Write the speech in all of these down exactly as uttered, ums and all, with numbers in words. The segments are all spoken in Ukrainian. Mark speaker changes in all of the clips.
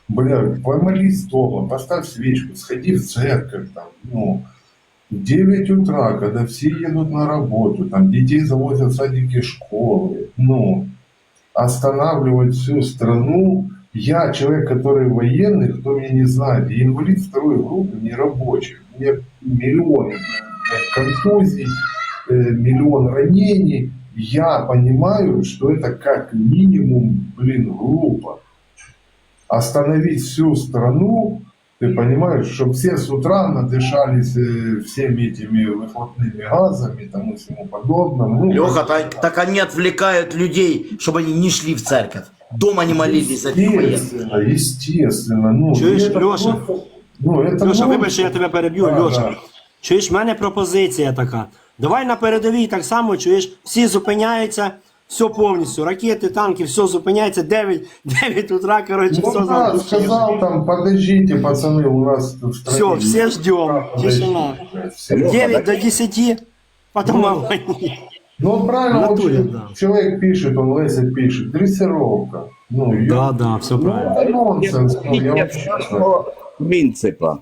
Speaker 1: Бля, помолись дома, поставь свечку, сходи в церковь, там, ну, в девять утра, когда все едут на работу, там, детей завозят в садики, школы, ну, останавливать всю страну. Я человек, который военный, кто меня не знает, я инвалид второй группы, не рабочий. У меня миллион э, контузий, э, миллион ранений. Я понимаю, что это как минимум, блин, глупо. Остановить всю страну, ты понимаешь, чтобы все с утра надышались э, всеми этими выхлопными газами там, и всему подобному. Ну,
Speaker 2: Леха, так, так они отвлекают людей, чтобы они не шли в церковь. Дома не молились за этих военных.
Speaker 1: естественно, естественно. Ну,
Speaker 3: Чуєш,
Speaker 1: это
Speaker 3: Леша?
Speaker 1: просто- ну, это
Speaker 3: Льоша,
Speaker 1: ну,
Speaker 3: вибач, що я тебе переб'ю,
Speaker 1: да,
Speaker 3: Льоша.
Speaker 1: да.
Speaker 3: Чуєш, в мене пропозиція така. Давай на передовій так само, чуєш, всі зупиняються, все повністю, ракети, танки, все зупиняється, дев'ять, дев'ять утра, коротше,
Speaker 1: Ну
Speaker 3: все
Speaker 1: да,
Speaker 3: запущено.
Speaker 1: сказал там, подождите, пацаны, у нас в стране...
Speaker 3: Все, все ждем, тишина.
Speaker 1: Все.
Speaker 3: дев'ять до десяти, потом огонь.
Speaker 1: Ну вот правильно,
Speaker 3: В натуре,
Speaker 1: вот
Speaker 3: да.
Speaker 1: человек пишет, он Леся пишет, дрессировка. Ну, ё-
Speaker 3: Да, да, все
Speaker 1: ну,
Speaker 3: правильно.
Speaker 1: это нонсенс, ну, я вообще не знаю.
Speaker 4: принципа.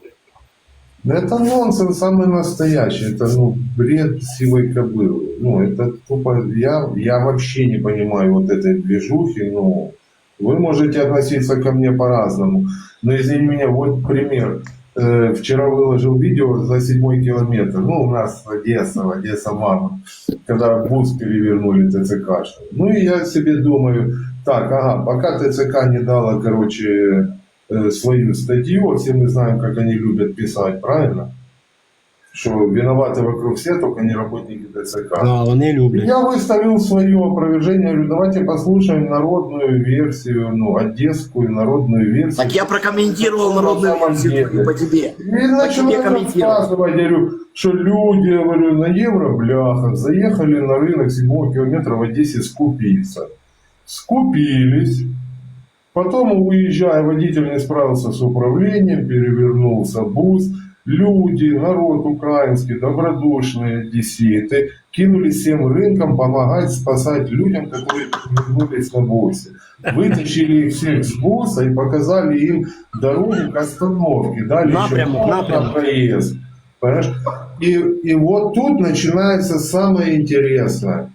Speaker 1: Да это нонсенс самый настоящий, это ну бред сивой кобылы. Ну это тупо, я, я вообще не понимаю вот этой движухи, ну вы можете относиться ко мне по-разному, но извини меня, вот пример. Э, вчера выложил видео за седьмой километр, ну у нас Одесса, Одесса мама, когда бус перевернули ТЦК. Ну и я себе думаю, так, ага, пока ТЦК не дала, короче, э, свою статью, все мы знаем, как они любят писать, правильно? Что виноваты вокруг все, только не работники ТЦК.
Speaker 3: Да, вони люблять.
Speaker 1: Я выставил свое опровержение, говорю, давайте послушаем народную версию, ну, одесскую народную версию.
Speaker 2: Так я прокомментировал народную версию по тебе.
Speaker 1: И начал
Speaker 2: тебе
Speaker 1: это
Speaker 2: комментировать.
Speaker 1: рассказывать, я говорю, что люди, говорю, на евробляхах заехали на рынок седьмого километра в Одессе скупиться. Скупились. Потом, уезжая, водитель не справился с управлением, перевернулся бус. Люди, народ украинский, добродушные одесситы кинулись всем рынкам помогать, спасать людям, которые вернулись на бусе. Вытащили их всех с буса и показали им дорогу к остановке. Дали
Speaker 3: Напрямок,
Speaker 1: еще
Speaker 3: напрямок.
Speaker 1: на проезд. Понимаешь? И, и вот тут начинается самое интересное.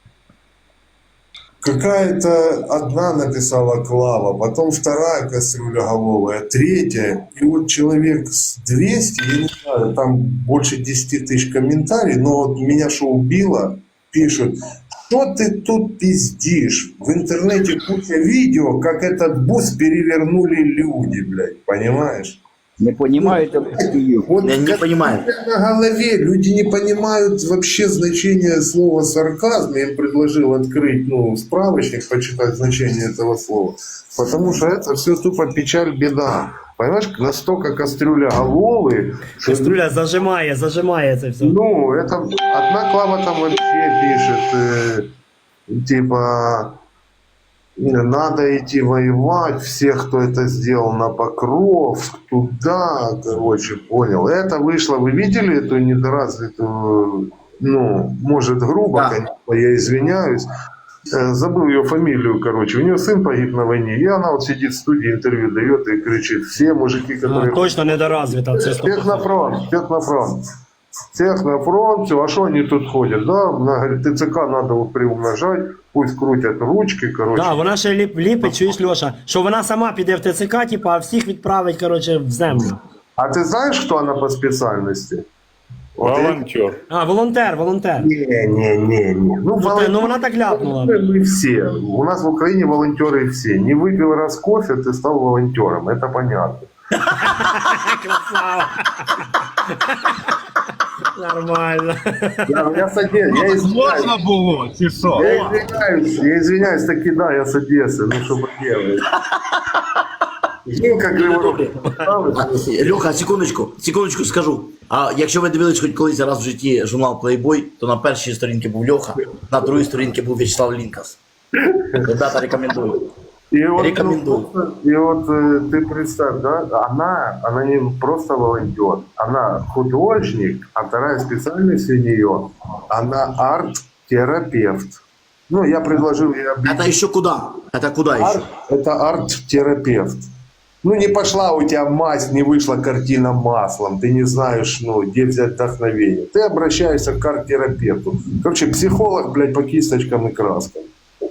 Speaker 1: Какая-то одна написала Клава, потом вторая кастрюляголовая, третья. И вот человек с двести, я не знаю, там больше десяти тысяч комментариев, но вот меня что убило, пишут, что ты тут пиздишь? В интернете куча видео, как этот бус перевернули люди, блядь, понимаешь?
Speaker 4: Не понимаете Киев.
Speaker 1: Вот
Speaker 2: Я не
Speaker 1: как
Speaker 2: понимаю.
Speaker 1: на голове люди не понимают вообще значение слова сарказм. Я им предложил открыть ну, справочник, почитать значение этого слова. Потому что это все тупо печаль, беда. Понимаешь, настолько кастрюля головы, что,
Speaker 3: Каструля зажимає, зажимає це все.
Speaker 1: ну, это одна Клава там вообще пишет, э, типа, надо идти воевать, всех, кто это сделал, на Покров, туда, короче, понял. Это вышло, вы видели эту недоразвитую, ну, может, грубо,
Speaker 2: Да.
Speaker 1: конечно, я извиняюсь, Э, забыл ее фамилию, короче, у нее сын погиб на войне, и она вот сидит в студии, интервью дает и кричит, все мужики,
Speaker 3: А,
Speaker 1: которые...
Speaker 3: точно недоразвита, це сто
Speaker 1: Всех на фронт, всех на фронт. Всех на фронт, все, а что они тут ходят, да? Она говорит, ТЦК надо вот приумножать, пусть крутят ручки, короче.
Speaker 3: Да, вона ще ліп, ліпить, чуєш, Льоша, що вона сама піде в ТЦК, типу, а всіх відправить, коротше, в землю.
Speaker 1: А ты знаешь, кто она по специальности? Вот
Speaker 5: Волонтер.
Speaker 3: А, волонтер, волонтер.
Speaker 1: Не, не, не, не. Ну,
Speaker 3: Ну, та- ну вона так ляпнула.
Speaker 1: мы все. У нас в Украине волонтеры все. Не выпил раз кофе, ты стал волонтером. Это понятно.
Speaker 3: Красава. Нормально.
Speaker 1: Я, я с Одессы, я извиняюсь.
Speaker 5: Можна було, чи що?
Speaker 1: Я извиняюсь, я извиняюсь, таки да, я с Одессы, ну что поделать. Жінка Криворога.
Speaker 2: Льоха, секундочку, секундочку скажу. А якщо ви дивились хоч колись раз в житті журнал Playboy, то на першій сторінці був Льоха, на другій сторінці був Вячеслав Лінкас. Ребята, рекомендую.
Speaker 1: И вот,
Speaker 2: Рекомендую.
Speaker 1: ну, и вот э, ты представь, да, она, она не просто волонтер, она художник, а вторая специальность у нее, она арт-терапевт. Ну, я предложил ей объяснить.
Speaker 2: Это еще куда? Это куда еще?
Speaker 1: Арт, это арт-терапевт. Ну, не пошла у тебя мазь, не вышла картина маслом, ты не знаешь, ну, где взять вдохновение. Ты обращаешься к арт-терапевту. Короче, психолог, блядь, по кисточкам и краскам.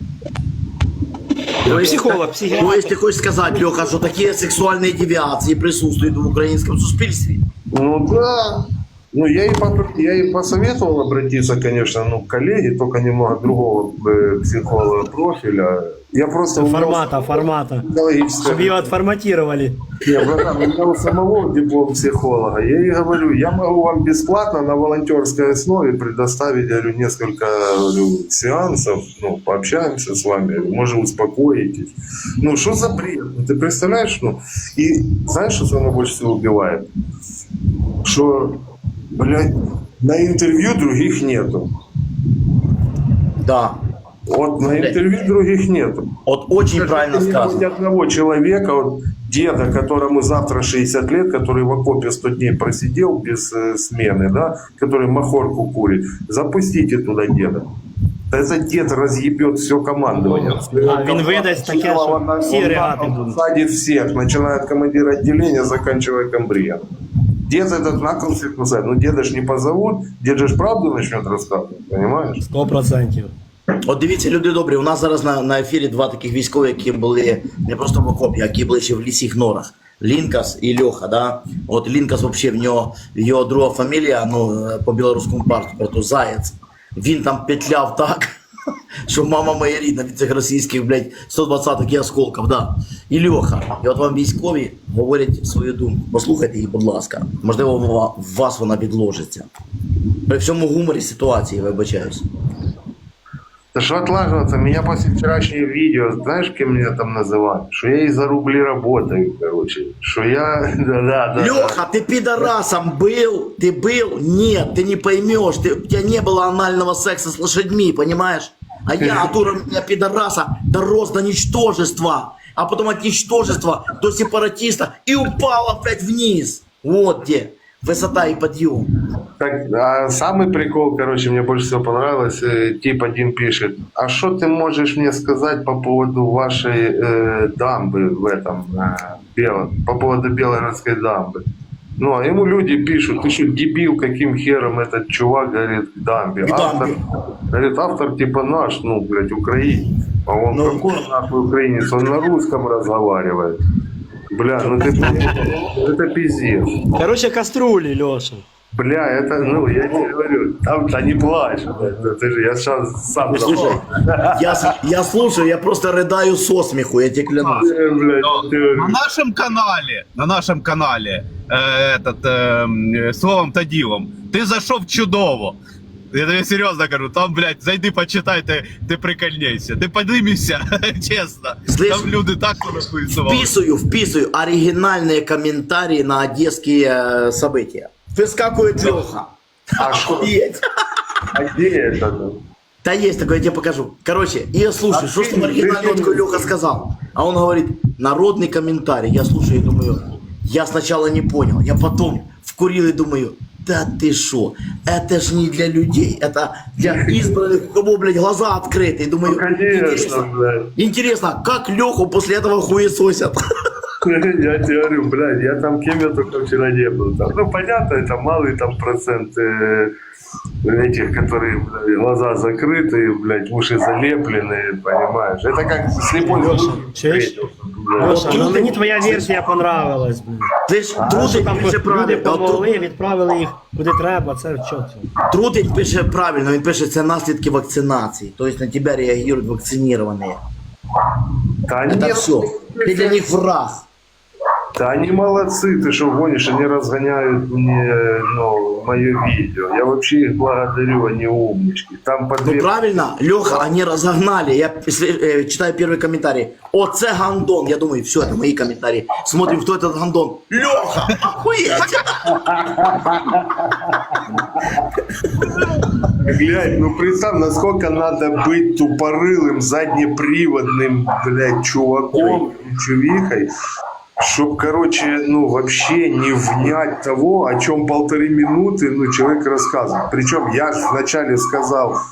Speaker 3: Психолог, психіатр.
Speaker 2: То есть ты хочешь сказать, Леха, что такие сексуальные девиации присутствуют в украинском суспільстве?
Speaker 1: Ну, да. Ну, я ей, по- я ей посоветовал обратиться, конечно, ну, к коллеге, только немного другого э, психолога профиля. Я просто...
Speaker 3: Формата, формата.
Speaker 1: Психологическое...
Speaker 3: Щоб його отформатировали.
Speaker 1: Не, братан, у меня у самого диплом психолога. Я ей говорю, я могу вам бесплатно на волонтерской основе предоставить, я говорю, несколько, говорю, сеансов, ну, пообщаемся с вами, говорю, может, успокоитесь. Ну, что за бред? Ну, ты представляешь, ну, и знаешь, что самое больше всего убивает? Что, блядь, на интервью других нету.
Speaker 2: Да.
Speaker 1: Вот на интервью других нету.
Speaker 2: Вот очень правильно
Speaker 1: Нет
Speaker 2: сказано.
Speaker 1: ни одного человека, вот, деда, которому завтра шестьдесят лет, который в окопе сто дней просидел без э, смены, да, который махорку курит, запустите туда деда. Да этот дед разъебет все командование.
Speaker 3: А він видасть таке, що всі регати будуть.
Speaker 1: Садит всех, начиная от командира отделения, заканчивая комбрием. Дед этот на кол всех кусает. Ну деда ж не позовут, дед же ж правду начнет рассказывать, понимаешь?
Speaker 3: Сто процентів.
Speaker 2: От дивіться, люди добрі, у нас зараз на, на ефірі два таких військові, які були не просто в окопі, а які були ще в лісіх норах. Лінкас і Льоха, да? От Лінкас взагалі, в нього, його друга фамілія, ну, по білоруському паспорту, Заєць. Він там петляв так, що мама моя рідна від цих російських, блядь, сто двадцятих і осколків, да. І Льоха. І от вам військові говорять свою думку. Послухайте її, будь ласка. Можливо, в вас вона підложиться. При всьому гуморі ситуації, вибачаюсь.
Speaker 1: Да что отлаживаться? Меня после вчерашнего видео, знаешь, кем меня там называют? Что я и за рубли работаю, короче. Что я... Да-да-да.
Speaker 2: Леха, ты пидорасом был? Ты был? Нет, ты не поймешь. Ты, у тебя не было анального секса с лошадьми, понимаешь? А я от уровня пидораса дорос до ничтожества. А потом от ничтожества до сепаратиста и упал опять вниз. Вот где высота и подъем.
Speaker 1: Так, а самый прикол, короче, мне больше всего понравилось, э, тип один пишет, а что ты можешь мне сказать по поводу вашей э, дамбы в этом, э, Бело- по поводу Белгородской дамбы? Ну, а ему люди пишут, ты что, дебил, каким хером этот чувак, говорит, к дамбе?
Speaker 2: К
Speaker 1: Автор,
Speaker 2: дамбе.
Speaker 1: говорит, автор типа наш, ну, блядь, украинец. А он
Speaker 2: Ну.
Speaker 1: какой нахуй украинец? Он на русском разговаривает. Бля, ну ты, это пиздец.
Speaker 3: Короче, каструлі, Льоша.
Speaker 1: Бля, это, ну, я тебе говорю, там, да не плачь, блядь, ты же, я сейчас сам
Speaker 2: Слушай,
Speaker 1: запал.
Speaker 2: я, с- я слушаю, я просто рыдаю со смеху, я тебе клянусь.
Speaker 1: Э, блядь, ты-
Speaker 5: На нашем канале, на нашем канале, э, этот, э, словом та ділом, ти зайшов чудово. Я тобі серйозно кажу, там, блядь, зайди почитай, ти, ти прикольнейся. Ти поднимешься, чесно.
Speaker 2: Слышь,
Speaker 5: Там люди так порахуювали.
Speaker 2: Вписываю, вписываю оригинальные комментарии на одесские э, события. Выскакивает Леха.
Speaker 1: А что?
Speaker 2: Охуеть.
Speaker 1: А где это? ну?
Speaker 2: Да есть такое, я тебе покажу. Короче, и я слушаю, что ж там оригинально вот такой Леха сказал. А он говорит, народный комментарий. Я слушаю и думаю, я сначала не понял, я потом вкурил и думаю, да ты шо, это ж не для людей, это для избранных, у кого, блядь, глаза открыты. И думаю,
Speaker 1: Ну, конечно,
Speaker 2: интересно,
Speaker 1: блядь.
Speaker 2: интересно, как Леху после этого хуесосят?
Speaker 1: Я тебе говорю, блядь, я там кем я только вчера не был. Там, ну, понятно, это малый там процент э, этих, которые, блядь, глаза закрыты, блядь, уши залеплены, понимаешь? Это как слепой
Speaker 3: Леша,
Speaker 1: злой
Speaker 3: чуешь?
Speaker 1: встретился, блядь.
Speaker 3: Леша, ну мені твоя версія понравилась. блін.
Speaker 2: Ти ж
Speaker 3: Що
Speaker 2: Трутень
Speaker 3: там
Speaker 2: пише
Speaker 3: люди
Speaker 2: правильно. а Тру-
Speaker 3: помогли, відправили їх куди треба, це чого це?
Speaker 2: Трутень пише правильно, він пише, це наслідки вакцинації. Тобто на тебе реагують вакциновані.
Speaker 1: Да
Speaker 2: Это
Speaker 1: нет,
Speaker 2: все. Ты для них враг.
Speaker 1: да они молодцы, ты что гонишь, они разгоняют мне, ну, мое видео. Я вообще их благодарю, они умнички. Там по
Speaker 2: Ну
Speaker 1: две...
Speaker 2: правильно, Леха, они разогнали. Я если, э, читаю первый комментарий. Оце гандон. Я думаю, все, это мои комментарии. Смотрим, кто этот гандон. Леха, охуеть!
Speaker 1: Глянь, ну представь, насколько надо быть тупорылым, заднеприводным, блядь, чуваком, чувихой, чтоб, короче, ну, вообще не внять того, о чем полторы минуты, ну, человек рассказывает. Причем я же вначале сказал,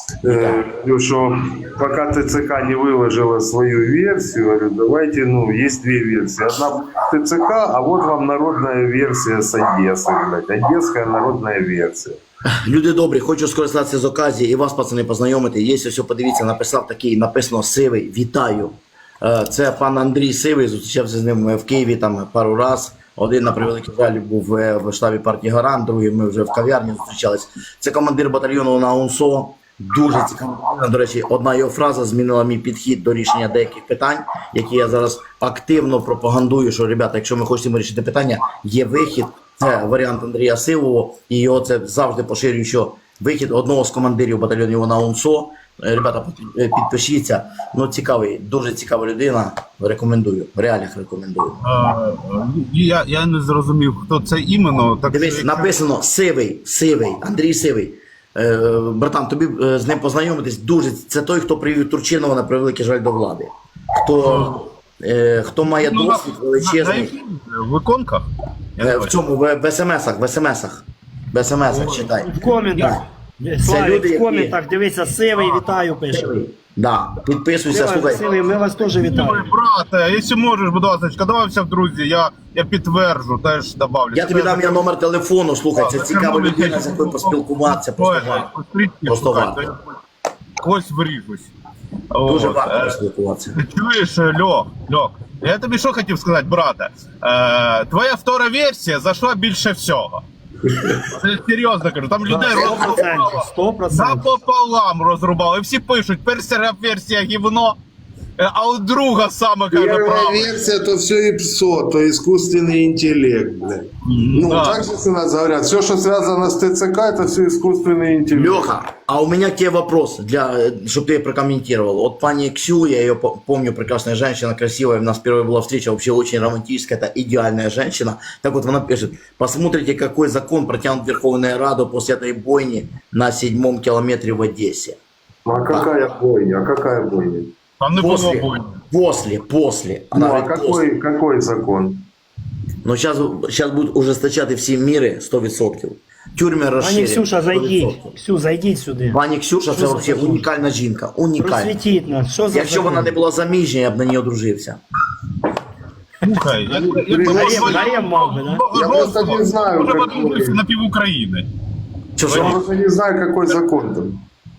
Speaker 1: Э, говорю, что пока ТЦК не выложила свою версию, говорю, давайте, ну, есть две версии. Одна ТЦК, а вот вам народная версия с Одессы, блядь. Одесская народная версия.
Speaker 2: Люди добрі, хочу скористатися з оказії і вас, пацани, познайомити. Є все, подивіться, написав такий, написано Сивий, вітаю. Е, Це пан Андрій Сивий, зустрічався з ним в Києві там пару раз. Один, на превеликий жаль, був е, в штабі партії Гарант, другий ми вже в кав'ярні зустрічались. Це командир батальйону на УНСО. Дуже цікаво. До речі, одна його фраза змінила мій підхід до рішення деяких питань, які я зараз активно пропагандую, що, ребята, якщо ми хочемо вирішити питання, є вихід. Це варіант Андрія Сивого, і його це завжди поширюю, що вихід одного з командирів батальйонів на УНСО. Ребята, підпишіться. Ну, цікавий, дуже цікава людина. Рекомендую, в реаліях рекомендую.
Speaker 5: Е, я, я не зрозумів, хто це іменно. Так
Speaker 2: Дивись,
Speaker 5: що-
Speaker 2: написано Сивий, Сивий, Андрій Сивий. Е, братан, тобі е, з ним познайомитись дуже. Це той, хто привів Турчинова на превеликий жаль до влади. Хто, е, хто має
Speaker 5: Ну,
Speaker 2: досвід
Speaker 5: на, на
Speaker 2: величезний.
Speaker 5: яких виконках? Я не
Speaker 2: Е, В
Speaker 5: бачу.
Speaker 2: цьому, в, в смс-ах, в смс-ах. В смс-ах читай.
Speaker 3: В коментах.
Speaker 2: люди,
Speaker 3: Славік, в
Speaker 2: які-
Speaker 3: коментах, дивися, Сивий, вітаю, пише.
Speaker 2: Да, підписуйся,
Speaker 3: Сивий,
Speaker 2: слухай.
Speaker 3: Сивий, ми вас теж
Speaker 5: Ой,
Speaker 3: вітаємо.
Speaker 5: брате, якщо можеш, будь ласка, давайся в друзі, я, я підтверджу, теж добавлю.
Speaker 2: Я тобі дам я номер телефону, слухай, це цікава людина, з якою поспілкуватися, просто варто. Просто варто.
Speaker 5: Когось виріжусь.
Speaker 2: Дуже
Speaker 5: От,
Speaker 2: варто
Speaker 5: е,
Speaker 2: поспілкуватися.
Speaker 5: Ти чуєш, Льох, Льох, я тобі що хотів сказати, брате? Е, твоя втора версія зайшла більше всього. Це серйозно кажу, там людей
Speaker 3: Сто
Speaker 5: розрубало.
Speaker 3: процентів, сто процентів.
Speaker 5: Напополам розрубали. І всі пишуть, перша версія гівно, е, а от друга саме каже
Speaker 1: Первая
Speaker 5: правду.
Speaker 1: версия, то все и псо, то искусственный интеллект, блядь. Ну,
Speaker 5: Да.
Speaker 1: так же у нас говорят, все, что связано с ТЦК, это все искусственный интеллект.
Speaker 2: Леха, а у меня к тебе вопрос, для, чтобы ты прокомментировал. Вот пани Ксю, я ее по- помню, прекрасная женщина, красивая, у нас первая была встреча, вообще очень романтическая, это идеальная женщина. Так вот она пишет, посмотрите, какой закон протянут в Верховную Раду после этой бойни на седьмом километре в Одессе.
Speaker 1: Ну, а какая бойня, а какая бойня?
Speaker 5: Там не було
Speaker 2: После,
Speaker 5: бойні.
Speaker 2: после, после.
Speaker 1: Ну,
Speaker 2: Она
Speaker 1: а
Speaker 2: говорит, после.
Speaker 1: какой, какой закон?
Speaker 2: Но сейчас, сейчас будут ужесточати всі міри сто відсотків. Тюрми
Speaker 3: Пані
Speaker 2: розширять.
Speaker 3: Ксюша,
Speaker 2: сто
Speaker 3: зайдіть.
Speaker 2: відсотків.
Speaker 3: Ксю, зайдіть сюди.
Speaker 2: Пані Ксюша, це
Speaker 3: Що за
Speaker 2: взагалі
Speaker 3: закон?
Speaker 2: унікальна жінка. Унікальна.
Speaker 3: Просвітіть нас. Що за
Speaker 2: Якщо вона не була заміжня, я б на ній одружився.
Speaker 5: Слухай, як- як-
Speaker 3: Гарем, гарем мав би, да?
Speaker 1: Я просто не знаю,
Speaker 5: Може,
Speaker 1: какой.
Speaker 5: подивитися на пів України.
Speaker 2: Що
Speaker 1: Я
Speaker 2: що?
Speaker 1: просто не знаю, какой закон там.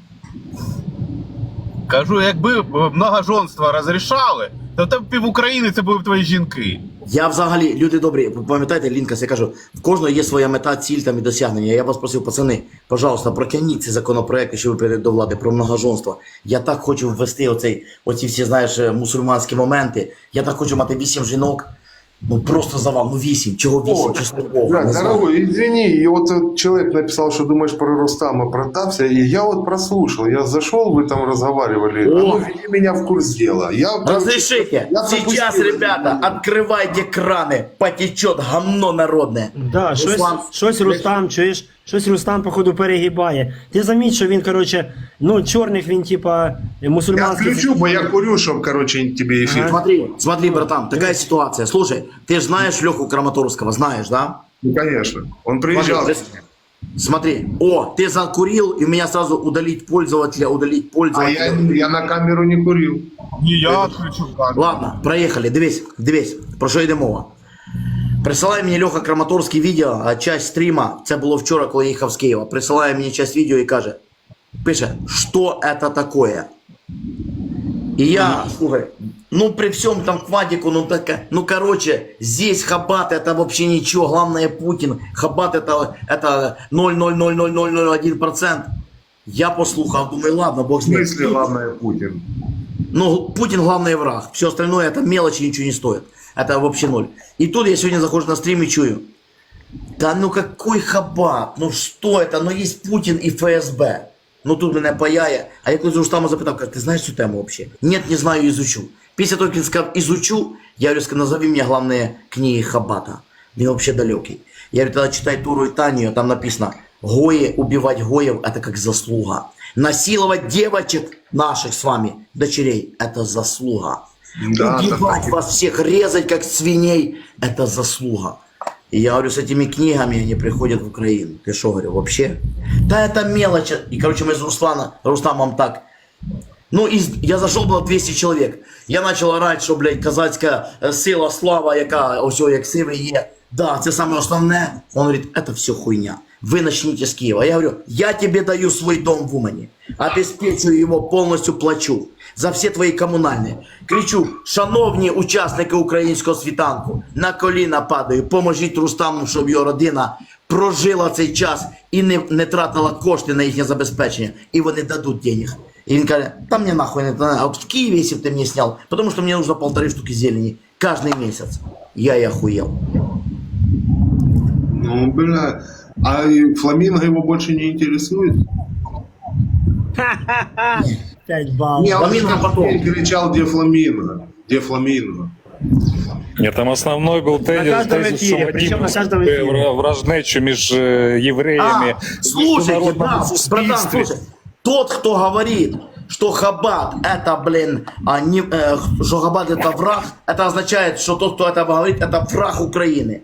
Speaker 5: Кажу, якби многоженство розрішали, то там пів України це були б твої жінки.
Speaker 2: Я взагалі, люди добрі, пам'ятаєте, Лінкас, я кажу, в кожного є своя мета, ціль там і досягнення. Я вас просив, пацани, пожалуйста, протягніть ці законопроекти, що ви прийдете до влади про многоженство. Я так хочу ввести оцей, оці всі, знаєш, мусульманські моменти. Я так хочу мати вісім жінок. Ну просто завал, ну вісім. Чого вісім? Чесно Богу.
Speaker 1: Блядь,
Speaker 2: не знаю.
Speaker 1: дорогой, извини, и вот этот человек написал, что думаешь про Рустама Протапся, и я вот прослушал, я зашел, вы там разговаривали, а ну ввели меня в курс дела. Я, короче,
Speaker 2: Разрешите,
Speaker 1: я
Speaker 2: сейчас,
Speaker 1: пропустил.
Speaker 2: ребята, открывайте краны, потечет гамно народное.
Speaker 3: Да, щось,
Speaker 2: Руслан,
Speaker 3: щось Рустам, чуєш, щось Рустам, походу, перегибає. Ти заміть, що він, коротше, ну, чорних він, типа,
Speaker 1: Я
Speaker 3: мусульманських.
Speaker 1: включу, бо я курю, чтобы, короче, тебе эфир.
Speaker 2: Смотри, смотри, братан, такая ситуация. Слушай, ты же знаешь Леху Краматорского, знаешь, да?
Speaker 1: Ну, конечно. Он
Speaker 2: Смотри,
Speaker 1: приезжал.
Speaker 2: прис- смотри, о, ты закурил, и у меня сразу удалить пользователя, удалить
Speaker 1: А
Speaker 2: пользователя.
Speaker 1: я, я на камеру не курил.
Speaker 5: Ні, я відключу камеру.
Speaker 2: Ладно, проехали, дивись, дивись, про що йде мова. Присилає мені Леха Краматорський відео, а часть стріма, це було вчора, коли я їхав з Києва, присилає мені часть відео і каже, пише, що це таке? И я, слушай, ну при всем там квадику, ну так, ну короче, здесь Хабат это вообще ничего, главное Путин, Хабат это, это ноль ноль ноль ноль ноль ноль один процент. Я послухав, думаю, ладно, бог
Speaker 1: В
Speaker 2: с ним.
Speaker 1: смысле, главное, Путин?
Speaker 2: Ну, Путин главный враг, все остальное это мелочи, ничего не стоит. Это вообще ноль. И тут я сегодня захожу на стрим и чую. Да ну какой Хабат, ну что это, ну есть Путин и ФСБ. Ну тут мене паяє, а я колись у Рустама запитав, каже, ти знаєш цю тему взагалі? Ні, не знаю, ізучу. Після того, як він сказав ізучу, я говорю, назови мені головні книги Хабата. Він взагалі далекий. Я говорю, тоді читай Туру і Танію, там написано, Гои, убивать Гоев, это как заслуга. Насиловать девочек наших с вами, дочерей, это заслуга.
Speaker 1: Да,
Speaker 2: Убивать
Speaker 1: так.
Speaker 2: вас всех, резать как свиней, это заслуга. И я говорю, с этими книгами они приходят в Украину. Ты что, говорю, вообще? Да это мелочь. И, короче, мы с Руслана, Рустамом так. Ну, из, я зашел, было двести человек. Я начал орать, що, блядь, казацька е, сила, слава, яка, ось, як сивий є. Да, це саме основне. Он говорит, это все хуйня. Вы начните с Киева. Я говорю, я тебе даю свой дом в Умані. Обеспечую его, полностью плачу. За всі твої комунальні. Кричу, шановні учасники українського світанку, на коліна падаю, поможіть Рустаму, щоб його родина прожила цей час і не, не тратила кошти на їхнє забезпечення. І вони дадуть денег. И он говорит, там мне нахуй не надо, а вот в Киеве, если бы ты мне снял, потому что мне нужно полторы штуки зелени каждый месяц. Я и охуел.
Speaker 1: Ну, бля. А и Фламинго его больше не интересует?
Speaker 3: п'ять балів.
Speaker 1: Не, он
Speaker 2: Фламинго
Speaker 1: же
Speaker 2: потом.
Speaker 1: кричал, где Фламинго? Где Фламинго?
Speaker 6: Нет, там основной был тезис,
Speaker 3: каждом
Speaker 6: тезис,
Speaker 3: эфире,
Speaker 6: що
Speaker 3: причем на
Speaker 6: Вадим
Speaker 3: каждом эфире.
Speaker 6: вражнечу між е, євреями.
Speaker 2: А, слушайте,
Speaker 6: в
Speaker 2: да,
Speaker 6: международному
Speaker 2: братан,
Speaker 6: суспільстві.
Speaker 2: слушай, тот, кто говорит, что Хаббат это, блин, а не, э, что Хаббат это враг, это означает, что тот, кто это говорит, это враг Украины.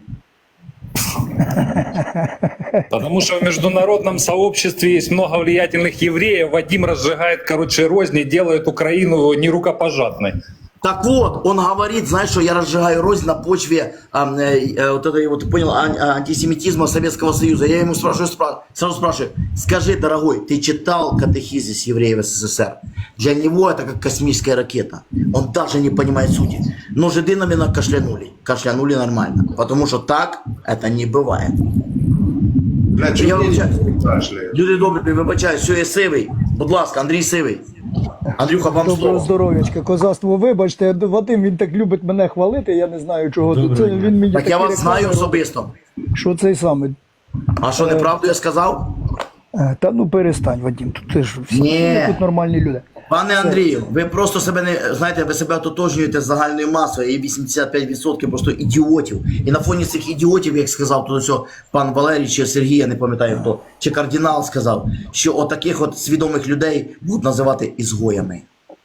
Speaker 6: Потому что в международном сообществе есть много влиятельных евреев. Вадим разжигает, короче, розни, делает Украину нерукопожатной.
Speaker 2: Так вот, он говорит, знаешь, что я разжигаю рознь на почве а, э, э, вот этой вот, ты понял, ан- антисемитизма Советского Союза. Я ему спрашиваю, спра- сразу спрашиваю, скажи, дорогой, ты читал катехизис евреев СССР? Для него это как космическая ракета. Он даже не понимает сути. Но жиды на меня кашлянули. Кашлянули нормально. Потому что так это не бывает.
Speaker 1: Бля,
Speaker 2: Я
Speaker 1: чё
Speaker 2: вибачаюсь.
Speaker 1: мне кашляет?
Speaker 2: Люди добрі, вибачаю, все, я сивий. Будь ласка, Андрій Сивий. Андрюха, вам
Speaker 7: Доброго
Speaker 2: слово.
Speaker 7: здоров'ячка, козацтво, вибачте, Вадим, він так любить мене хвалити, я не знаю чого. Тут це, він мені
Speaker 2: Так я
Speaker 7: такі
Speaker 2: вас знаю
Speaker 7: реклами
Speaker 2: особисто.
Speaker 7: робить, що цей самий.
Speaker 2: А що, неправду я сказав?
Speaker 7: Е, Та ну перестань, Вадим, тут ти ж всі
Speaker 2: Ні.
Speaker 7: ми тут нормальні люди.
Speaker 2: Пане Андрію, ви просто себе не знаєте, ви себе ототожнюєте з загальною масою, і вісімдесят п'ять відсотків просто ідіотів. І на фоні цих ідіотів, як сказав тут ось пан Валерій чи Сергій, я не пам'ятаю хто, чи кардинал сказав, що отаких от свідомих людей будуть називати ізгоями.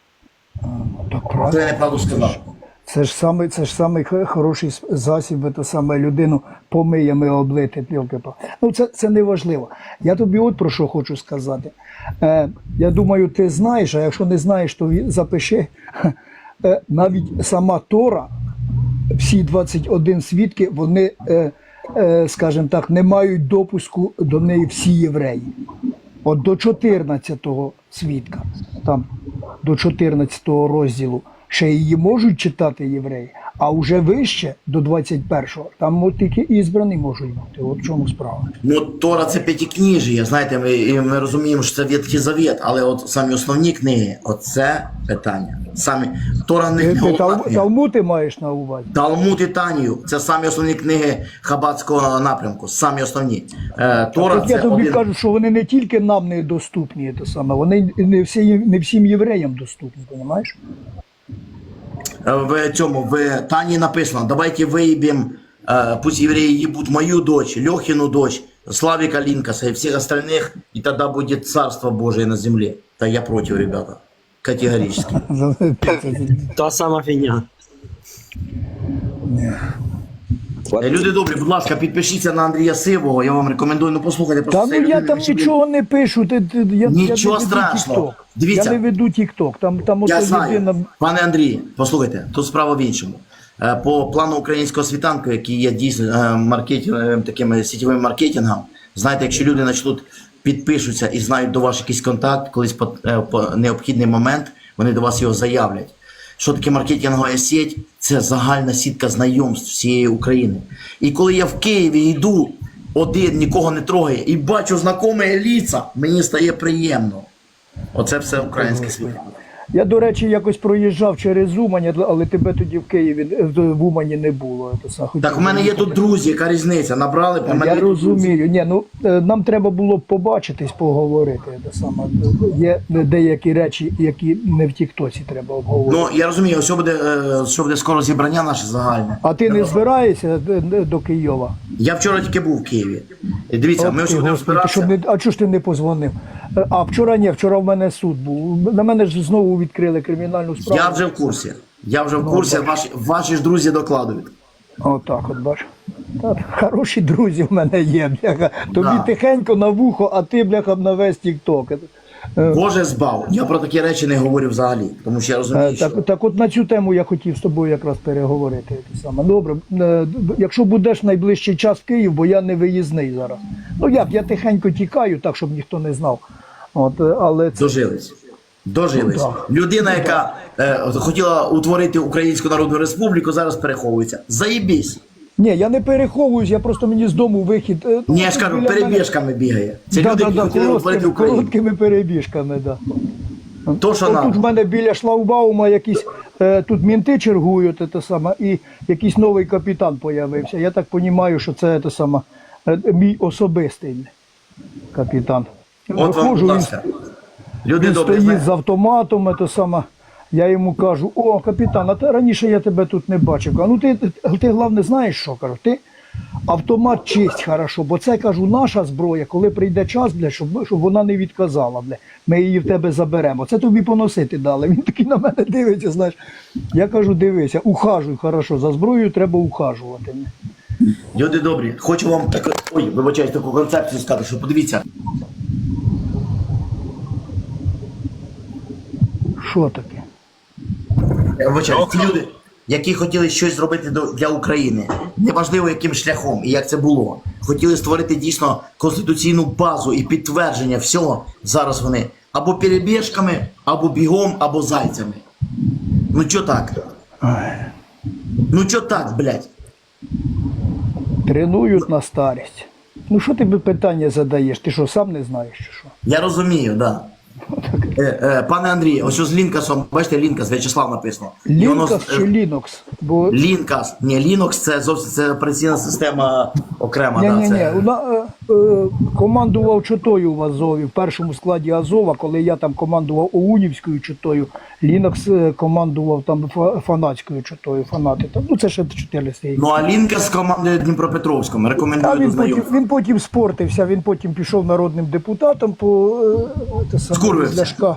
Speaker 7: Так
Speaker 2: Це
Speaker 7: правда.
Speaker 2: я неправду сказав.
Speaker 7: Це ж саме, це ж самий х- хороший с- засіб, це саме людину помиями облити. пілки-па. Ну це, це не важливо. Я тобі от про що хочу сказати. Е, я думаю, ти знаєш, а якщо не знаєш, то ві- запиши. Е, навіть сама Тора, всі двадцять один свідки, вони, е, е, скажімо так, не мають допуску до неї всі євреї. От до чотирнадцятого свідка, там до чотирнадцятого розділу ще її можуть читати євреї, а вже вище до двадцять першого, там от тільки ізбрані можуть бути. От в чому справа.
Speaker 2: Ну, Тора це п'ятикніжжя, знаєте, ми, і ми розуміємо, що це Ветхий Завет, але от самі основні книги, оце питання. Самі, Тора не
Speaker 7: Ти, ти
Speaker 2: головна
Speaker 7: Тал-
Speaker 2: книга.
Speaker 7: Талмуд ти маєш на увазі?
Speaker 2: Талмуд і Танію – це самі основні книги хабатського напрямку, самі основні. Е, Тора
Speaker 7: Так я
Speaker 2: це
Speaker 7: тобі
Speaker 2: один...
Speaker 7: кажу, що вони не тільки нам не доступні, те саме, вони не, всі, не всім євреям доступні, розумієш?
Speaker 2: В цьому, в Тані написано, давайте выебем, э, пусть евреи ебут мою дочь, Лехину дочь, Славика Линкаса и всех остальных, и тогда будет царство Божие на земле. Да я против, ребята. Категорически.
Speaker 3: Та сама фігня.
Speaker 2: Е, Люди добрі, будь ласка, підпишіться на Андрія Сивого, я вам рекомендую, ну послухайте, просто
Speaker 7: Та
Speaker 2: цей
Speaker 7: ну я
Speaker 2: людина,
Speaker 7: там
Speaker 2: що він-
Speaker 7: нічого не пишу. Ти, ти, я,
Speaker 2: Нічого
Speaker 7: я не веду
Speaker 2: страшного.
Speaker 7: TikTok.
Speaker 2: Дивіться.
Speaker 7: Я не веду TikTok. Там, там
Speaker 2: Я
Speaker 7: ото
Speaker 2: знаю.
Speaker 7: людина.
Speaker 2: Пане Андрій, послухайте, тут справа в іншому. Е, По плану українського світанку, який є дійсно е, маркетинг, е, таким е, сітєвим маркетингом, знаєте, якщо люди почнуть підпишуться і знають до вас якийсь контакт, колись по, е, по необхідний момент, вони до вас його заявлять. Що таке маркетингова сеть? Це загальна сітка знайомств всієї України. І коли я в Києві йду один, нікого не трогає, і бачу знайомі ліца, мені стає приємно. Оце все українське світло.
Speaker 7: Я, до речі, якось проїжджав через Умань, але тебе тоді в Києві е, в Умані не було. Це саме.
Speaker 2: Так у мене є тут друзі, яка різниця? Набрали, у мене
Speaker 7: Я
Speaker 2: є тут друзі.
Speaker 7: розумію. Ні, ну е, нам треба було б побачитись, поговорити. Це саме. Є деякі речі, які не в Тіктоці треба обговорити.
Speaker 2: Ну, я розумію, що буде, е, що буде скоро зібрання наше загальне.
Speaker 7: А ти не збираєшся е, е, до Києва?
Speaker 2: Я вчора тільки був в Києві. І дивіться, ми
Speaker 7: Ох
Speaker 2: вже
Speaker 7: ти,
Speaker 2: будемо
Speaker 7: Господи, ти що
Speaker 2: збиратися.
Speaker 7: не, а чого ж ти не позвонив? Е, А вчора ні, вчора в мене суд був. На мене ж знову відкрили кримінальну справу.
Speaker 2: Я вже в курсі. Я вже в курсі, ваші, ваші ж друзі докладують.
Speaker 7: Отак, от бач. Та, хороші друзі в мене є, бляха. Тобі
Speaker 2: Да.
Speaker 7: тихенько на вухо, а ти, бляха, на весь тік-ток.
Speaker 2: Боже збав. Я про такі речі не говорю взагалі, тому що я розумію,
Speaker 7: Е,
Speaker 2: що...
Speaker 7: Так, так от на цю тему я хотів з тобою якраз переговорити. Те саме. Добре, е, якщо будеш найближчий час в Київ, бо я не виїзний зараз. Ну як, я тихенько тікаю, так, щоб ніхто не знав. От, е, але це...
Speaker 2: Дожились. Дожились.
Speaker 7: Ну,
Speaker 2: Людина, яка е, хотіла утворити Українську Народну Республіку, зараз переховується. Заєбісь.
Speaker 7: Ні, я не переховуюсь, я просто мені з дому вихід. е,
Speaker 2: Ні, я ж кажу,
Speaker 7: біля мене-
Speaker 2: перебіжками бігає. Це
Speaker 7: Да,
Speaker 2: люди,
Speaker 7: да,
Speaker 2: які
Speaker 7: да,
Speaker 2: хотіли утворити
Speaker 7: короткими,
Speaker 2: Україну.
Speaker 7: короткими перебіжками, да.
Speaker 2: То, що
Speaker 7: От тут в
Speaker 2: нам.
Speaker 7: мене біля шлагбаума якісь е, тут мінти чергують, те саме, і якийсь новий капітан появився. Я так розумію, що це те саме, е, мій особистий капітан.
Speaker 2: От вам,
Speaker 7: Виходжу,
Speaker 2: будь
Speaker 7: він,
Speaker 2: ласка. Люди
Speaker 7: він
Speaker 2: добрі.
Speaker 7: стоїть
Speaker 2: знаєте.
Speaker 7: з автоматом, те саме. Я йому кажу: о, капітан, а ти раніше я тебе тут не бачив. А ну ти, ти, ти головне знаєш що? Кажу, ти автомат чисть хорошо, бо це, кажу, наша зброя, коли прийде час, бля, щоб, щоб вона не відказала, бля, ми її в тебе заберемо. Це тобі поносити дали. Він такий на мене дивиться, знаєш. Я кажу, дивися, ухажуй, хорошо, за зброєю треба ухажувати.
Speaker 2: Люди добрі. Хочу вам таку, ой, вибачаюсь, таку концепцію сказати, що подивіться.
Speaker 7: Що таке?
Speaker 2: Я вибачаюсь, ті люди, які хотіли щось зробити до- для України, неважливо яким шляхом і як це було, хотіли створити дійсно конституційну базу і підтвердження всього, зараз вони або перебіжками, або бігом, або зайцями. Ну чо так? Ну чо так, блядь?
Speaker 7: Тренують на старість. Ну що ти би питання задаєш? Ти що, сам не знаєш, чи що?
Speaker 2: Я розумію, так. Да. Е, е, пане Андрій, ось з Лінкасом, бачите, Лінкас, В'ячеслав написано. І воно з-
Speaker 7: Лінкас чи Лінокс? Бо
Speaker 2: Лінкас, ні, Linux це зовсім це операційна система окрема.
Speaker 7: Ні,
Speaker 2: да,
Speaker 7: ні, ні.
Speaker 2: це...
Speaker 7: е, е, командував чотою в Азові, в першому складі Азова, коли я там командував Оунівською чотою, Лінокс е, командував там фа- фанатською чотою, фанати. Там, ну це ще чотириста.
Speaker 2: Ну а Лінкас командує Дніпропетровськом.
Speaker 7: А
Speaker 2: Рекомендую до
Speaker 7: він потім,
Speaker 2: знайомства.
Speaker 7: він потім спортився, він потім пішов народним депутатом по е, те саме,
Speaker 2: Скурвився.
Speaker 7: з Ляшка.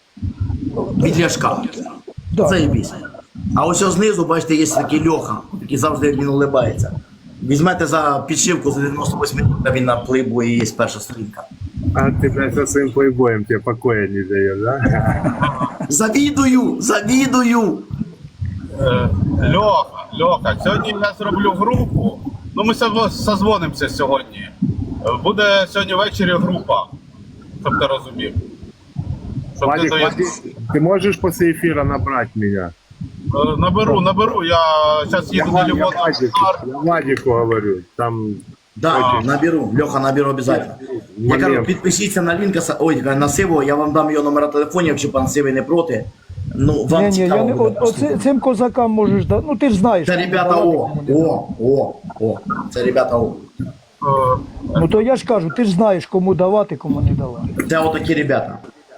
Speaker 2: Від Ляшка.
Speaker 7: Да.
Speaker 2: Це і біс. А ось знизу, бачите, є такий Льоха, який завжди він улибається. Візьмете за підшивку за дев'яносто вісім минут, а він на плейбої є перша сторінка.
Speaker 8: А ты, блядь, со своим плейбоем тебе покоя не даешь, да?
Speaker 2: Завідую! Завідую!
Speaker 5: Е, Льоха, Льоха, сьогодні я зроблю групу. Ну, ми со- созвонимося сьогодні. Е, Буде сьогодні ввечері група, щоб ти розумів. Щоб ти
Speaker 8: Вадик,
Speaker 5: доїзд-
Speaker 8: Вадик, ты можешь после эфира набрать меня?
Speaker 5: Е, Наберу, наберу. Я зараз
Speaker 8: Я,
Speaker 5: їду на
Speaker 8: Вадик, я,
Speaker 5: Львов.
Speaker 8: Вадику, я Вадику говорю, там
Speaker 2: Да, наберу. Льоха, наберу обов'язково. Я кажу,
Speaker 8: момент.
Speaker 2: підпишіться на Лінкаса, ой, на Сивого, я вам дам його номера телефонів, якщо пан Сивий не проти. Ну, вам
Speaker 7: Ні, ні,
Speaker 2: цікаво
Speaker 7: я не,
Speaker 2: буде
Speaker 7: от, оце,
Speaker 2: послухати.
Speaker 7: цим козакам можеш дати. Ну ти ж знаєш.
Speaker 2: Це
Speaker 7: кому
Speaker 2: ребята
Speaker 7: давати,
Speaker 2: О,
Speaker 7: кому не давати.
Speaker 2: О, О, О. Це ребята О.
Speaker 5: Е,
Speaker 7: Ну то я ж кажу, ти ж знаєш, кому давати, кому не давати.
Speaker 2: Це отакі ребята.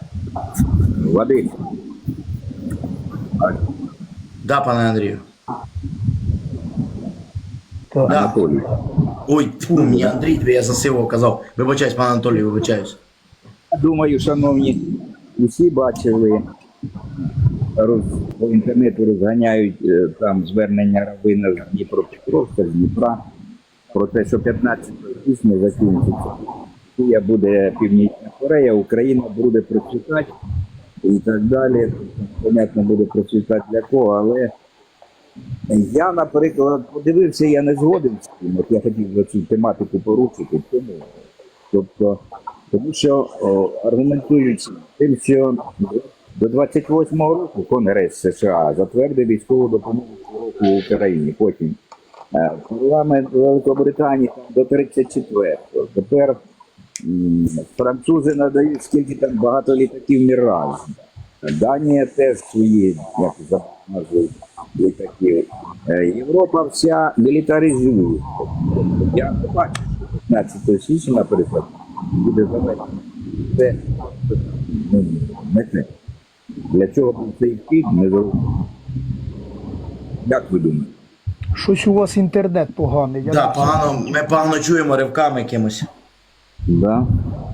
Speaker 4: Вадим,
Speaker 2: Да, пане Андрію.
Speaker 7: Так.
Speaker 2: Да.
Speaker 4: Анатолій.
Speaker 2: Ой, тьфу, мені Андрій, тобі я за Сивого казав. Вибачаюсь, пане Анатолій, вибачаюсь.
Speaker 4: Думаю, шановні, усі бачили, роз, по інтернету розганяють е, там звернення Равина з Дніпропетровська, з Дніпра, про те, що п'ятнадцятого січня закінчиться. Росія буде Північна Корея, Україна буде процвітати і так далі. Понятно, буде процвітати для кого, але я, наприклад, подивився, я не згоден з цим. От я хотів за цю тематику порушити. Тому, тобто, тому що о, аргументуючи тим, що до двадцять восьмого року Конгрес США затвердив військову допомогу року Україні. Потім е, парламент Великобританії там, до тридцять четвертого. Тепер м, французи надають скільки там багато літаків Міраж. Данія теж свої, як за назвою літаків. Е, Європа вся мілітаризує. Я не бачу, що п'ятнадцятого січня, наприклад, буде завершено. Це ну, не те. Для чого був цей вхід, не зрозуміло. Як ви думаєте?
Speaker 7: Щось у вас інтернет поганий. Я
Speaker 2: Да,
Speaker 7: не-
Speaker 2: погано, ми погано чуємо ривками якимось.
Speaker 4: Да?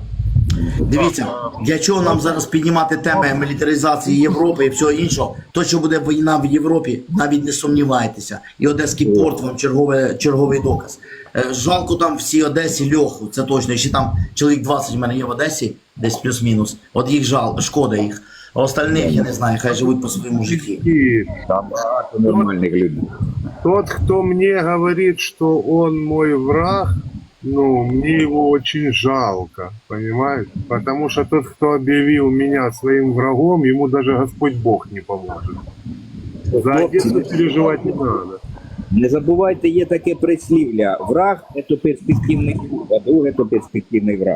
Speaker 2: Дивіться, для чого нам зараз піднімати теми мілітаризації Європи і всього іншого? То, що буде війна в Європі, навіть не сумнівайтеся. І Одеський порт вам чергове, черговий доказ. Е, Жалко там всій Одесі Льоху, це точно. Ще там чоловік двадцять в мене є в Одесі, десь плюс-мінус. От їх жал, шкода їх. А остальних, я не знаю, хай живуть по своєму житті.
Speaker 8: И
Speaker 4: Там багато нормальних людей.
Speaker 8: тот, кто мне говорит, что он мой враг, ну, мне его очень жалко, понимаете? Потому что тот, кто объявил меня своим врагом, ему даже Господь Бог не поможет. За Одессу переживать не надо.
Speaker 4: Не забувайте, є таке прислів'я. Враг – це перспективний друг, а друг – це перспективний враг.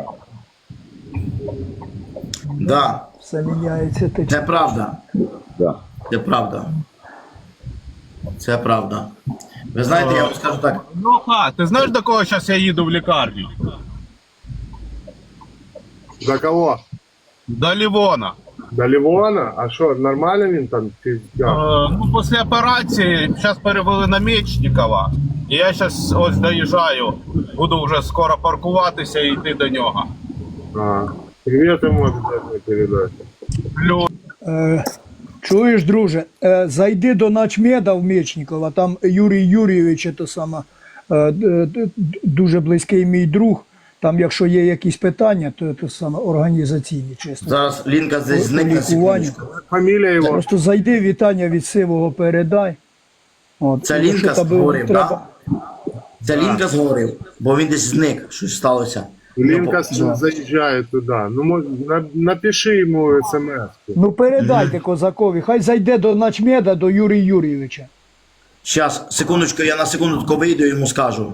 Speaker 2: Да,
Speaker 7: Все міняється. Ти
Speaker 2: це правда.
Speaker 4: Да.
Speaker 2: Це правда. Це правда. Ви знаєте, я вам скажу так.
Speaker 5: Леха, ти знаєш, до кого зараз я їду в лікарню?
Speaker 8: До кого?
Speaker 5: До Лівона.
Speaker 8: До Ливона? А что, нормально він там? Ти-
Speaker 5: Е, ну, після операції зараз перевели на Мечникова. І я зараз ось доїжджаю, буду вже скоро паркуватися і йти до нього.
Speaker 8: А, привет ему обязательно передать.
Speaker 5: Плюс.
Speaker 7: Е, чуєш, друже, е, зайди до начмеда в Мечникова, там Юрій Юрійович, це саме, е, е, д- дуже близький мій друг. Там, якщо є якісь питання, то це саме організаційні, чесно.
Speaker 2: Зараз Лінка десь
Speaker 7: По
Speaker 2: зникне
Speaker 7: лікуванню.
Speaker 2: секундочку.
Speaker 8: Фамилия его?
Speaker 7: Просто зайди, вітання від Сивого передай. От,
Speaker 2: Це
Speaker 7: якщо
Speaker 2: Лінка
Speaker 7: тебе
Speaker 2: зговорив,
Speaker 7: треба-
Speaker 2: так? Це Лінка зговорив, бо він десь зник, щось сталося.
Speaker 8: Линка
Speaker 7: Да.
Speaker 8: заезжает туда. Ну, мож- на- напиши ему смс.
Speaker 7: Ну передайте козакові, хай зайде до начмеда, до Юрія Юрійовича.
Speaker 2: Щас, секундочку, я на секундочку вийду і йому скажу.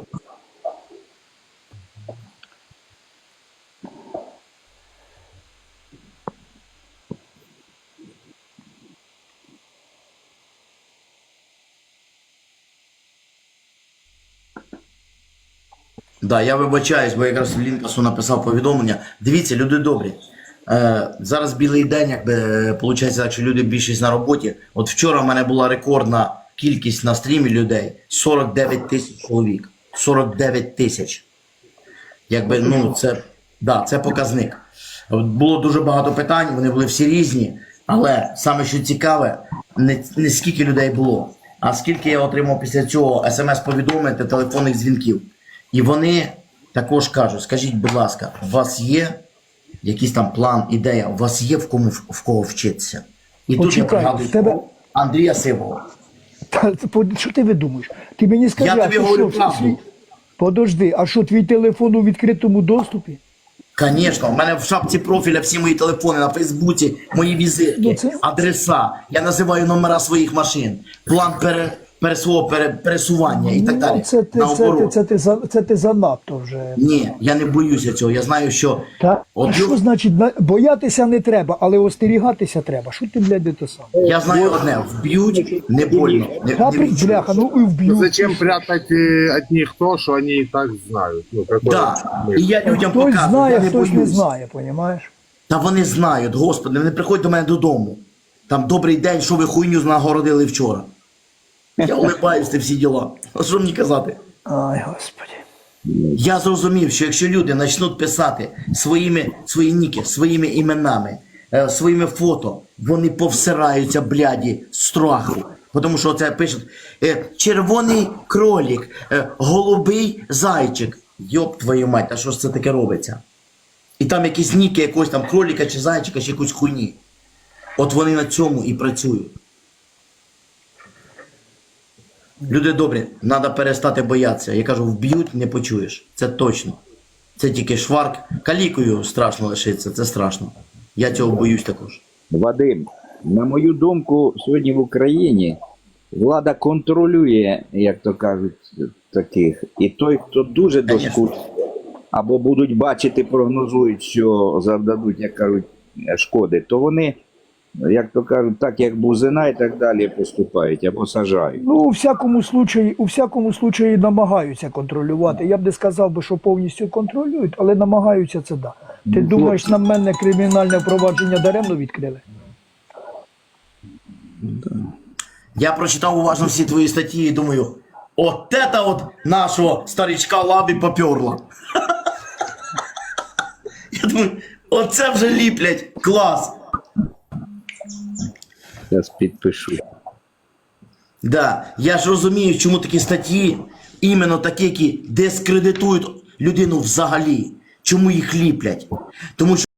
Speaker 2: Да, я вибачаюсь, бо якраз Лінкасу написав повідомлення. Дивіться, люди добрі. Е, зараз білий день, якби виходить, так, що люди більшість на роботі. От вчора в мене була рекордна кількість на стрімі людей. сорок дев'ять тисяч чоловік. сорок дев'ять тисяч. Якби, ну, це, да, це показник. От було дуже багато питань, вони були всі різні. Але саме що цікаве, не, не скільки людей було, а скільки я отримав після цього смс-повідомлень та телефонних дзвінків. І вони також кажуть, скажіть, будь ласка, у вас є якийсь там план, ідея, у вас є в кому в кого вчитися? І тут я
Speaker 7: Почекай,
Speaker 2: пригадую
Speaker 7: в тебе-
Speaker 2: Андрія Сивого.
Speaker 7: Та, по- що ти видумуєш? Ти мені скажи,
Speaker 2: Я
Speaker 7: а
Speaker 2: тобі
Speaker 7: що,
Speaker 2: говорю
Speaker 7: що,
Speaker 2: правду.
Speaker 7: свій- Подожди, а що твій телефон у відкритому доступі?
Speaker 2: Звісно, в мене в шапці профіля всі мої телефони на Фейсбуці, мої візитки,
Speaker 7: Ну, це-
Speaker 2: адреса. Я називаю номера своїх машин, план пере, пере, свого пере, пересування і так далі.
Speaker 7: Ну, це, ти, це, ти,
Speaker 2: Наоборот.
Speaker 7: це, ти, за- це ти занадто вже.
Speaker 2: Ні, я не боюся цього. Я знаю, що
Speaker 7: Та,
Speaker 2: от
Speaker 7: а що
Speaker 2: лю-
Speaker 7: значить, на- боятися не треба, але остерігатися треба. Що ти, блядь, те саме?
Speaker 2: я знаю одне, вб'ють не больно. Не,
Speaker 7: Та,
Speaker 2: не
Speaker 7: при-
Speaker 2: відчуєш.
Speaker 7: бляха, ну і
Speaker 8: Ну,
Speaker 7: вб'ють.
Speaker 8: зачем прятать э, от них то, что они и так знают? Ну, какой
Speaker 2: Да.
Speaker 8: смысл?
Speaker 2: І я людям
Speaker 7: Хтось
Speaker 2: показую,
Speaker 7: знає,
Speaker 2: я не
Speaker 7: хтось не
Speaker 2: боюсь.
Speaker 7: знає, понімаєш?
Speaker 2: Та вони знають, господи, вони приходять до мене додому. Там добрий день, що ви хуйню нагородили вчора. Я улибаюсь, ти всі діла. А що мені казати?
Speaker 7: Ай, господи.
Speaker 2: Я зрозумів, що якщо люди почнуть писати своїми, свої ніки, своїми іменами, е, своїми фото, вони повсираються, бляді, з страху. Тому що це пишуть е, червоний кролік, е, голубий зайчик. Йоп твою мать, та що ж це таке робиться? І там якісь ніки якогось там кроліка чи зайчика, чи якусь хуйні. От вони на цьому і працюють. Люди добрі, треба перестати боятися. Я кажу, вб'ють, не почуєш. Це точно. Це тільки шварк. Калікою страшно лишиться, це страшно. Я цього боюсь також.
Speaker 4: Вадим, на мою думку, сьогодні в Україні влада контролює, як то кажуть, таких. І той, хто дуже
Speaker 2: Конечно.
Speaker 4: доскучний, або будуть бачити, прогнозують, що завдадуть, як кажуть, шкоди, то вони, як то кажуть, так як бузина і так далі поступають, або сажають.
Speaker 7: Ну, у всякому случаї, у всякому случаї намагаються контролювати. Я б не сказав би, що повністю контролюють, але намагаються це да. Ти думаєш, на мене кримінальне провадження даремно відкрили?
Speaker 2: Я прочитав уважно всі твої статті і думаю, от це от нашого старичка лабі поперло. Я думаю, Оце вже ліплять. Клас.
Speaker 4: Зараз підпишу.
Speaker 2: Да, я ж розумію, чому такі статті, іменно такі, які дискредитують людину взагалі. Чому їх ліплять? Тому що